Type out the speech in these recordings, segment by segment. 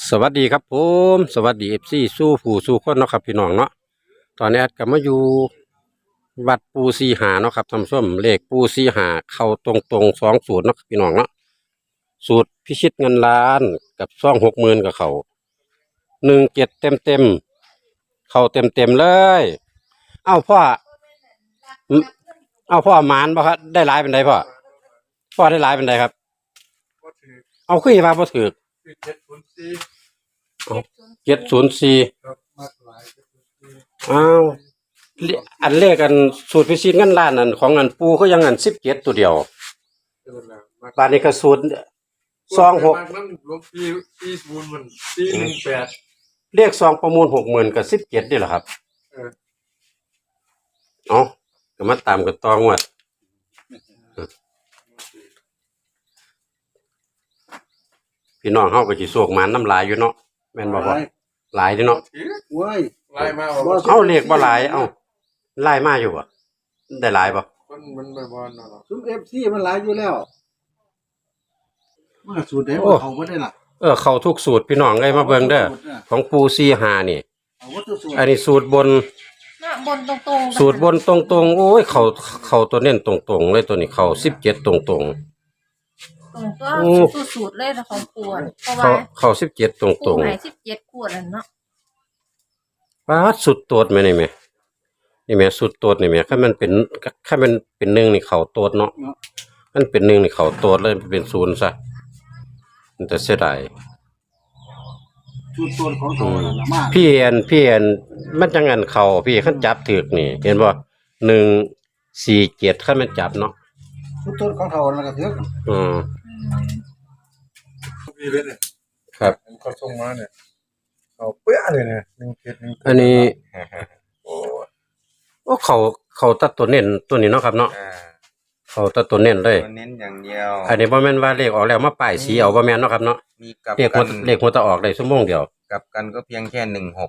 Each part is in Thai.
สวัสดีครับผมสวัสดีFCสู้ผู้สู้คนเนาะครับพี่น้องเนาะตอนนี้แอดก็มาอยู่วัดปูซีหาเนาะครับท่านผู้ชมเลขปูซีหาเข้าตรง20เนาะครับพี่น้องเนาะสูตรพิชิตเงินล้านกับ20,000กับเขา17เต็มเข้าเต็มเลยเอ้าพ่ออืมเอ้าพ่อหมานบ่ครับได้หลายเป็นไดพ่อได้หลายเป็นไดครับก็ถือเอาขึ้นมาบ่ถูกคือ704 704 ครับมากหลาย704 อ้าวอันเลขกันสูตรพิชิตเงินล้านอันของอันปูก็ยังอัน17ตัวเดียวเออนะมากบาดนี้ก็สูตร26 มากนั้นหลวงพี่40มัน418 เลข2ประมูล60,000กับ17นี่แหละครับเออเอาก็มาตามกันต่องวดพี่น้องเฮาก็สิโศกหมานน้ำลายอยู่เนาะแม่นบ่พ่อหลายอยู่เนาะถือเว้ยลายมาว่าเอาเลขบ่หลายเอ้าหลายมาอยู่บ่ได้หลายบ่มันไม่บอลเนาะซุ้มFCมันหลายอยู่แล้วมันก็สูตรได้บ่เขาบ่ได้ล่ะเข้าทุกสูตรพี่น้องเอ้ยมาเบิ่งเด้อของปู45นี่เอาวัตถุสูตรอันนี้สูตรบนน่ะบนตรงๆสูตรบนตรงๆโอ้ยเข้าตัวเน้นตรงๆเลยตัวนี้เข้า17ตรงตรงก็สูตรเลยนะของปวนเพราะๆว่าเข้า17ตรปูงหาย17ขวดแล้วเนาะๆปาดสุดโตดแม่นี่แม่สุดโตดนี่แม่คันมันเป็น1นี่เข้าโตดเนาะมันเป็น1นี่เข้าโตดเลยเป็น0ซะมันจะเสียดายสูตรต้นของเขานั่นน่ะมาพี่มันจังงันเข้าพี่คันจับถูกนี่เห็นบ่147คันมันจับเนาะสูตรต้นของเขานั่นก็ถืออืมพี่เลยเนี่ยครับเขาส่งมาเนี่ยเขาเปี้ยเลยเนี่ย17 อันนี้โอ้โอ้เขาตัดตัวเน้นตัวนี้เนาะครับเนาะเขาตัดตัวเน้นเลยตัวเน้นอย่างเดียวอันนี้บ่แม่นว่าเลขออกแล้วมาป้ายสีเอาบ่แม่นเนาะครับเนาะมีกับเลขกันหัวตะออกได้ชั่วโมงเดียวกับกันก็เพียงแค่16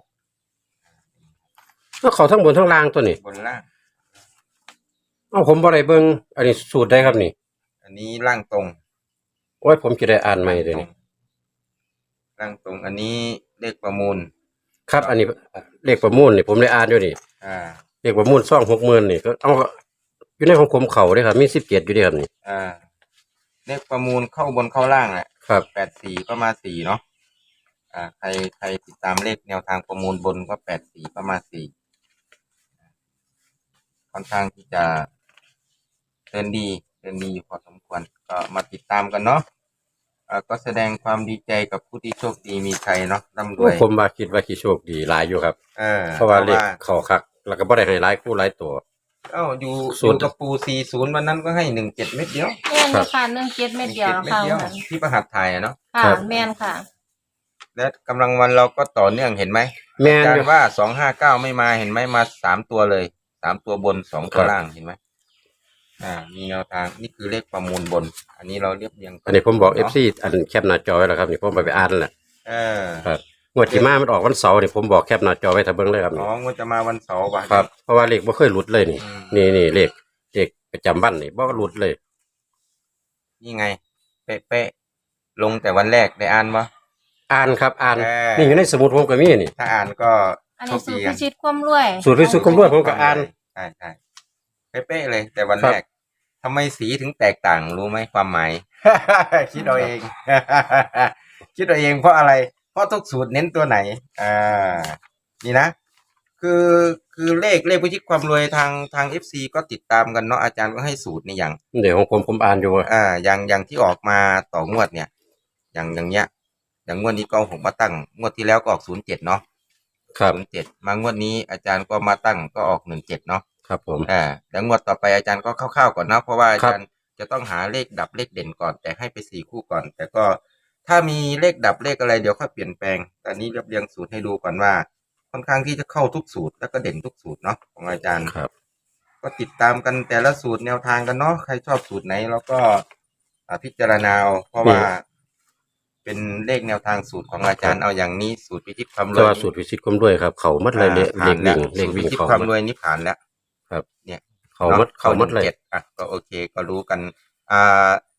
ก็เขาทั้งบนทั้งล่างตัวนี้บนล่างเอ้าผมบ่ได้เบิ่งอันนี้สูตรได้ครับนี่อันนี้ล่างตรงโอ้ยผมสิได้อ่านใหม่เด้อนี่ล่างตรงอันนี้เลขประมูลครับอันนี้เลขประมูลนี่ผมได้อ่านอยู่นี่อ่าเลขประมูล20,000นี่ก็เอาอยู่ในของผมเข้าเด้ครับมี17อยู่เด้ครับนี่เลขประมูลเข้าบนเข้าล่างแหละครับ 84ก็มา4เนาะใครติดตามเลขแนวทางประมูลบนก็84ก็มา4ค่อนข้างที่จะเดินดีอยู่พอสมควรก็มาติดตามกันเนาะก็แสดงความดีใจกับผู้ที่โชคดีมีชัยเนาะร่ำรวยผมว่าคิดว่าสิโชคดีหลายอยู่ครับเพราะว่าเลขเข้าคักแล้วก็บ่ได้ให้หลายคู่หลายตัวอยู่กับปู40วันนั้นก็ให้17เม็ดเดียวแม่นค่ะ17เม็ดเดียวค่ะที่ประหัตถ์ไทยเนาะค่ะแม่นค่ะและกำลังวันเราก็ต่อเนื่องเห็นไหมแม่นการว่า259ไม่มาเห็นไหมมา3ตัวเลย3ตัวบน2ตัวล่างเห็นไหมมีแนวทางนี่คือเลขประมูลบนอันนี้เราเรียบเรียงอันนี้ผมบอก FC อันแคปหน้าจอไว้แล้วครับนี่ผมไปอ่านแล้วครับงวดที่มามันออกวันเสาร์นี่ผมบอกแคปหน้าจอไว้ถ้าเบิ่งเลยครับอ๋อมันจะมาวันเสาร์ป่ะครับเพราะว่าเลขบ่เคยหลุดเลยนี่เลขประจำวันนี่บ่หลุดเลยนี่ไงเป๊ะๆลงแต่วันแรกได้อ่านบ่อ่านครับอ่านนี่อยู่ในสมุดผมก็มีนี่ถ้าอ่านก็อันนี้สูตรพิชิตความรวยสูตรพิชิตความรวยผมก็อ่านใช่เป๊ะๆเลยแต่วันแรกทำไมสีถึงแตกต่างรู้ไหมความหมาย คิดเอาเอง คิดเอาเองเพราะอะไรเพราะทุกสูตรเน้นตัวไหนนี่นะคือเลขพิชิตความรวยทาง FC ก็ติดตามกันเนาะอาจารย์ก็ให้สูตรในอย่างเดี๋ยวของผมอ่านอยู่อย่างที่ออกมาต่องวดเนี่ยอย่างเงี้ยอย่างงวดนี้ก็ผมมาตั้งงวดที่แล้วก็ออก07เนาะครับ 07มางวดนี้อาจารย์ก็มาตั้งก็ออก17เนาะครับผมแล้วงวดต่อไปอาจารย์ก็คร่าวๆก่อนนะเพราะว่าอาจารย์จะต้องหาเลขดับเลขเด่นก่อนแต่ให้ไป4คู่ก่อนแต่ก็ถ้ามีเลขดับเลขอะไรเดี๋ยวค่อยเปลี่ยนแปลงแต่นี้เรียงสูตรให้ดูก่อนว่าค่อนข้างที่จะเข้าทุกสูตรแล้วก็เด่นทุกสูตรเนาะของอาจารย์ครับก็ติดตามกันแต่ละสูตรแนวทางกันเนาะใครชอบสูตรไหนแล้วก็พิจารณาเพราะว่าเป็นเลขแนวทางสูตรของอาจารย์เอาอย่างนี้สูตรพิชิตความรวยสูตรพิชิตความรวยครับเขาหมดเลยเลขวิ่งความรวยนี่ผ่านแล้วครับเนี่ยเขาหมดเลยก็โอเคก็รู้กัน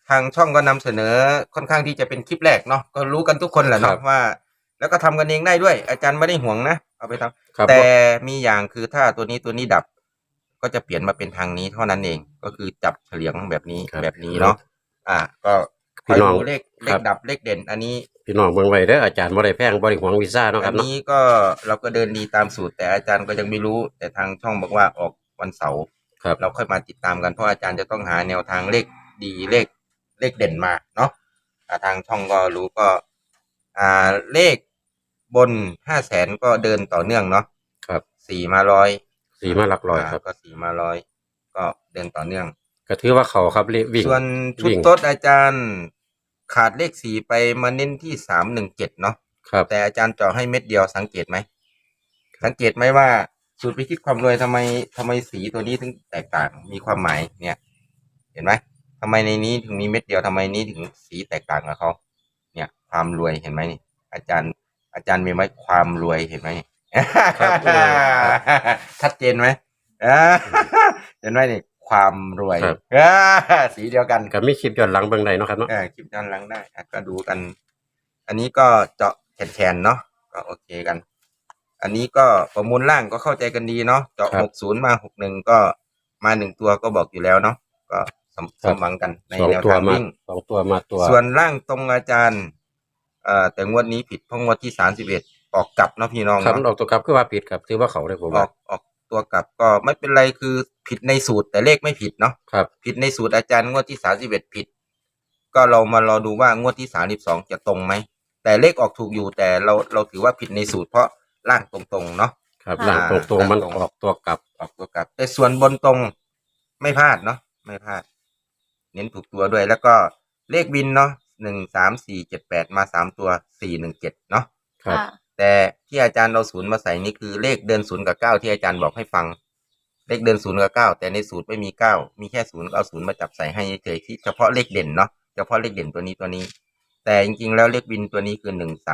ทางช่องก็นำเสนอค่อนข้างที่จะเป็นคลิปแรกเนาะก็รู้กันทุกคนแหละครัเนาะบว่า แล้วก็ทำกันเองได้ด้วย อาจารย์ไม่ได้ห่วงนะเอาไปทำครับแต่มีอย่างคือถ้าตัวนี้ดับ ก็จะเปลี่ยนมาเป็นทางนี้เท่านั้นเอง ก็คือจับเฉลียงแบบนี้ครับแบบนี้เนาะก็คพี่อยน้องดูเลขครับดับเลขเด่น อันนี้พี่น้องเบิ่งไว้เด้ออาจารย์บ่ได้แพงบ่ได้หวงวีซ่าเนาะคอัรับนเนาะนี้ก็เราก็เดินดีตามสูตร แต่อาจารย์ก็ยังไม่รู้ แต่ทางช่องบอกว่าออกวันเสาร์ครับเราค่อยมาติดตามกันเพราะอาจารย์จะต้องหาแนวทางเลขดีเลขเด่นมาเนาะทางช่องก็รู้ก็เลขบน 500,000 ก็เดินต่อเนื่องเนาะครับ 4 มา100 4 มาหลักร้อยครับก็4 มา100ก็เดินต่อเนื่องก็ถือว่าเขาครับเลขวิ่งส่วนชุดวิ่งโต๊ดอาจารย์ขาดเลข4ไปมาเน้นที่317เนาะครับแต่อาจารย์เจาะให้เม็ดเดียวสังเกตไหมว่าสูตรพิชิตความรวยทำไมสีตัวนี้ถึงแตกต่างมีความหมายเนี่ย เห็นไหมทำไมในนี้ถึงมีเม็ดเดียวทำไมนี้ถึงสีแตกต่างกับเขาเนี่ยความรวยเห็นไหมนี่อาจารย์มีไหมความรวยเห็นไหมครับชัดเจนไหมเห็นไหมนี่ความรวยครับสีเดียวกันก็มีคลิปย้อนหลังเบิ่งได้เนาะครับเนาะคลิปด้านหลังได้ก็ดูกัน อันนี้ก็เจาะแขนเนาะก็โอเคกัน อันนี้ก็ประมูลล่างก็เข้าใจกันดีเนาะเจาะ60มา61ก็มา1ตัวก็บอกอยู่แล้วเนาะก็สมหวังกันในสองแนวตัวทางมาวิ่งสองตัวมาตัวส่วนล่างตรงอาจารย์แต่งวดนี้ผิดเพราะงวดที่31ออกกลับเนาะพี่น้องครับเนาะออกตัวกลับคือว่าผิดครับถือว่าเขาได้ผมอว่าอกตัวกลับก็ไม่เป็นไรคือผิดในสูตรแต่เลขไม่ผิดเนาะครับผิดในสูตรอาจารย์งวดที่31ผิด ก็เรามารอดูว่างวดที่32จะตรงไหมแต่เลขออกถูกอยู่แต่เราถือว่าผิดในสูตรเพราะล่างตรงๆเนาะครับหลังตรงๆมันออกตัวกลับออกตัวกลับแต่ส่วนบนตรงไม่พลาดเนาะไม่พลาด เน้นถูกตัวด้วยแล้วก็เลขบินเนาะ13478มา3ตัว417เนาะครับค่ะแต่ที่อาจารย์เราศูนย์มาใส่นี่คือเลขเดิน0กับ9ที่อาจารย์บอกให้ฟัง เลขเดิน0กับ9แต่ในสูตรไม่มี9มีแค่0ก็เอา0มาจับใส่ให้เฉยๆที่เฉพาะเลขเด่นเนาะเฉพาะเลขเด่นตัวนี้ แต่จริงๆแล้วเลขบินตัวนี้คือ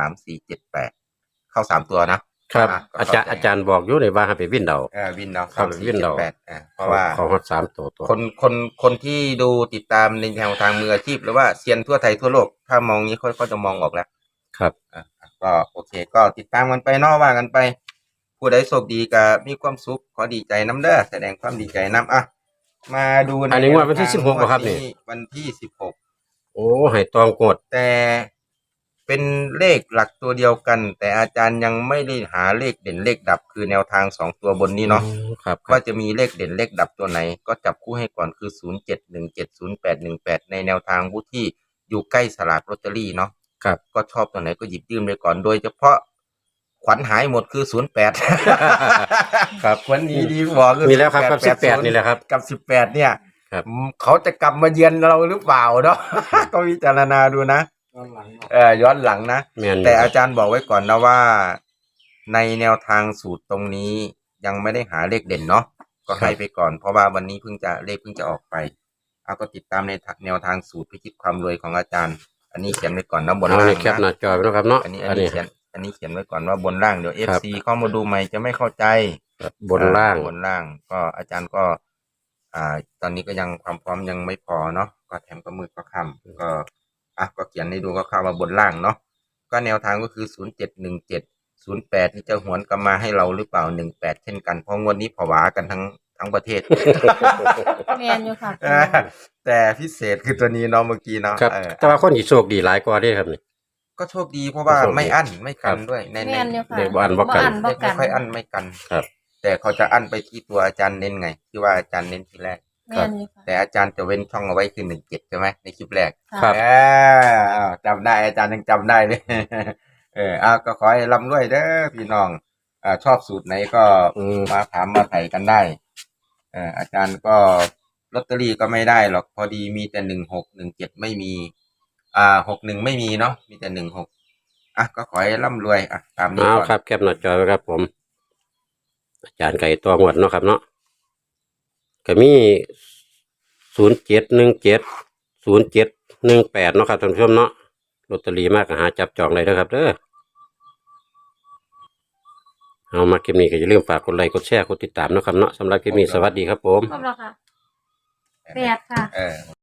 13478เข้า3ตัวนะครับ ก็อาจารย์บอกอยู่ในว่าให้ไปวิ่งเดาวินเนาะครับวินเดาเพราะว่าเขาฮอด3ตัวคนที่ดูติดตามในแนวทางมืออาชีพหรือว่าเซียนทั่วไทยทั่วโลกถ้ามองนี้เขาจะมองออกแล้วครับก็โอเคก็ติดตามกันไปเนอกว่ากันไป ผู้ใดโชคดีก็มีความสุขขอดีใจน้ำเด้อแสดงความดีใจน้ำมาดูในอันนี้งวดวันที่16บ่ครับนี่วันที่16 โอ้ให้ตองกดแต่เป็นเลขหลักตัวเดียวกัน แต่อาจารย์ยังไม่ได้หาเลขเด่นเลขดับคือแนวทาง2ตัวบนนี้เนาะครับครัว่าบจะมีเลขเด่นเลขดับตัวไหน ก็จับคู่ให้ก่อนคือ07170818ในแนวทางผู้ที่อยู่ใกล้สลากลอตเตอรี่เนาะครับก็ชอบตัวไหนก็หยิบยื่นไปก่อนโดยเฉพาะขวัญหายหมดคือ08 ครับขวัญนี้ดีกว่าคือมีแล้วครับกับ 18 18นี่แหละครับกับ18เนี่ยครับเขาจะกลับมาเยือนเราหรือเปล่าเนาะ ก็วิจารณาดูนะย้อนหลังเนาะย้อนหลังนะแม่นอยู่แต่อาจารย์บอกไว้ก่อนนะว่า ในแนวทางสูตรตรงนี้ยังไม่ได้หาเลขเด่นเนาะก็ให้ไปก่อนเพราะว่าวันนี้เพิ่งจะออกไปเอาก็ติดตามในแนวทางสูตรพิชิตความรวยของอาจารย์ อันนี้เขียนไว้ก่อนนะบนเอาล่างนี่แคปหน้านะจอไว้เนาะครับเนาะอันนี้อันนี้เขียนไว้ก่อนว่าบนล่างเดี๋ยวครับ FC เข้ามาดูใหม่จะไม่เข้าใจบนล่างบนล่างก็อาจารย์ก็ ตอนนี้ก็ยังความพร้อมยังไม่พอเนาะก็แถมก็มืดก็ค่ำก็เขียนให้ดูก็เข้ามาบนล่างเนาะก็แนวทางก็คือ071708นี่จะหวนกลับมาให้เราหรือเปล่า18เช่นกันเพราะงวดนี้ผวากันทั้งประเทศแมนอยู่ค่ะแต่พิเศษคือตัวนี้เนาะเมื่อกี้เนาะครับ แต่ว่าคนที่โชคดีหลายกว่าเด้ครับนี่ก็โชคดีเพราะว่าโชคดีไม่อั้นไม่กันครับด้วยในแมนอยู่ค่ะเด็กบ่อั้นบ่กันบ่ไม่ค่อยอั้นไม่กันครับแต่เขาจะอั้นไปที่ตัวอาจารย์เน้นไง ที่ว่าอาจารย์เน้นทีแรกแมนอยู่ค่ะแต่อาจารย์จะเว้นช่องเอาไว้คือ17ใช่ไหมในคลิปแรกครับจำได้อาจารย์ยังจำได้เลย ก็ขอให้ร่ำรวยเด้อพี่น้องชอบสูตรไหนก็ มาถามมาไถ่กันได้อาจารย์ก็ลอตเตอรี่ก็ไม่ได้หรอกพอดีมีแต่1617ไม่มี61ไม่มีเนาะมีแต่16ก็ขอให้ร่ำรวยตามนี้เอาก่อนครับแคปหน้าจอไว้ครับผม อาจารย์ไก่ตัวงวดเนาะครับเนาะก็มี07170718เนาะครับท่านผู้ชมเนาะลอตเตอรี่มากก็หาจับจองได้เด้อครับเด้อเอามาคลิปนี้ก็อย่าลืมฝากกดไลค์กดแชร์กดติดตามเนาะครับเนาะสำหรับคลิปนี้สวัสดีครับผมครบแล้วค่ะ8ค่ะ